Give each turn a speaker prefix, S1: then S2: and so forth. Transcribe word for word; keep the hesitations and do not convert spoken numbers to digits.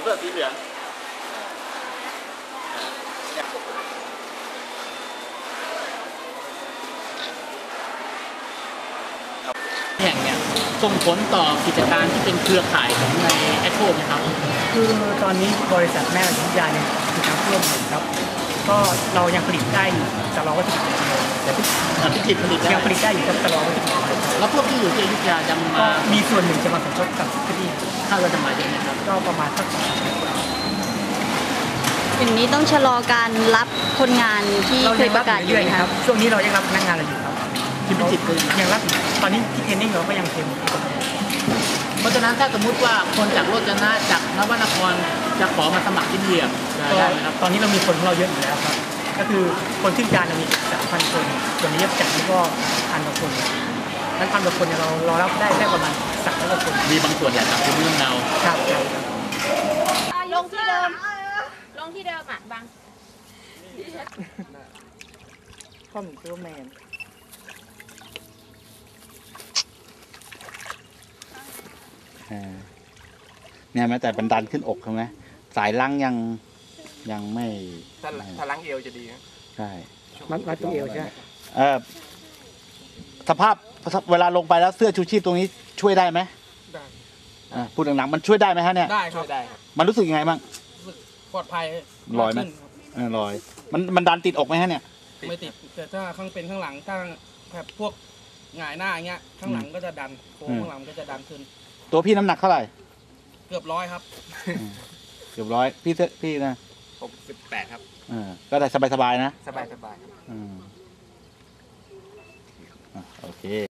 S1: สื้อสีเหลืองแห่งเนี่ยส่งผลต่อกิจการที่เป็นเครือข่ายของในแอคโคไหมครับ
S2: คือตอนนี้บริษัทแม่วิทยาเนี่ยคือน้ำท่วมอยู่ครับก็เรายังผลิตได้อยู่แต่เราก็จะผลิตแต่
S1: พิจิตรผลิต
S2: ยังผลิตได้อยู่ครับแต่เราก็จะผลิต
S1: แล้วพวกที่อยู่ที่อยุธยาจะมา
S2: มีส่วนหนึ่งจะมาสมทบกับที่นี่
S1: คาดว่าจะมาเยอะนะครับ
S2: ก็ประมาณสัก
S3: อย่างนี้ต้องชะลอการรับคนงานที่เคยประกาศอยู่
S2: ครับช่วงนี้เรายังรับพนักงานเราอยู่ครับ
S1: ที่พิจิตร
S2: ยังรับตอนนี้ที่เทรนนิ่งเราก็ยังเต็ม
S1: เพราะฉะนั้นถ้าสมมุติว่าคนจากโรจนะจากนวนครจะขอมาสมัครที่นี่ได้ไหมครับ
S2: ตอนนี้เรามีคนของเราเยอะอยู่แล้วครับก็คือคนที่การเรามีสามพันคนส่วนนี้ยับจัดนี่ก็พันกว่าคนนั้นพันกว่าคนเราเรารับได้แค่ประมาณสามร้อยกว่าคน
S1: มีบางส่วนแหละครับเป็นเรื่องเรา
S2: ครับ
S4: ลงที่เดิมลงที่เดิมอ่ะบาง
S2: ข้อมูลซูเปอร์แมน
S5: เนี่ยแม้แต่บันดันขึ้นอกใช่ไหมสายลังยังยังไม่
S6: ถ้าถ้าลังเอวจะดี
S5: ใช่
S2: มัดมัดตรงเอวใช่
S5: เออสภาพเวลาลงไปแล้วเสื้อชูชีพตรงนี้ช่วยได้ไหม
S6: ได้
S5: พูดหนังๆมันช่วยได้ไหมฮะเนี่ย
S6: ได้ครับได้
S5: มันรู้สึกยังไงบ้าง
S6: รู้สึกปลอดภัย
S5: ลอยไหมลอยมันมันดันติดอกไหมฮะเนี่ย
S6: ไม่ติดแต่ถ้าข้างเป็นข้างหลังถ้าแบบพวกหงายหน้าอย่างเงี้ยข้างหลังก็จะดันโค้งข้างหลังก็จะดันขึ้น
S5: ตัวพี่น้ำหนักเท่าไหร่
S6: เกือบร้อยครับ
S5: เกือบร้อยพี่เสื้อพี่นะ
S6: หกสิบแปดครับ
S5: อ่าก็ได้สบายๆนะ
S6: สบายสบายครับ
S5: อืมโอเค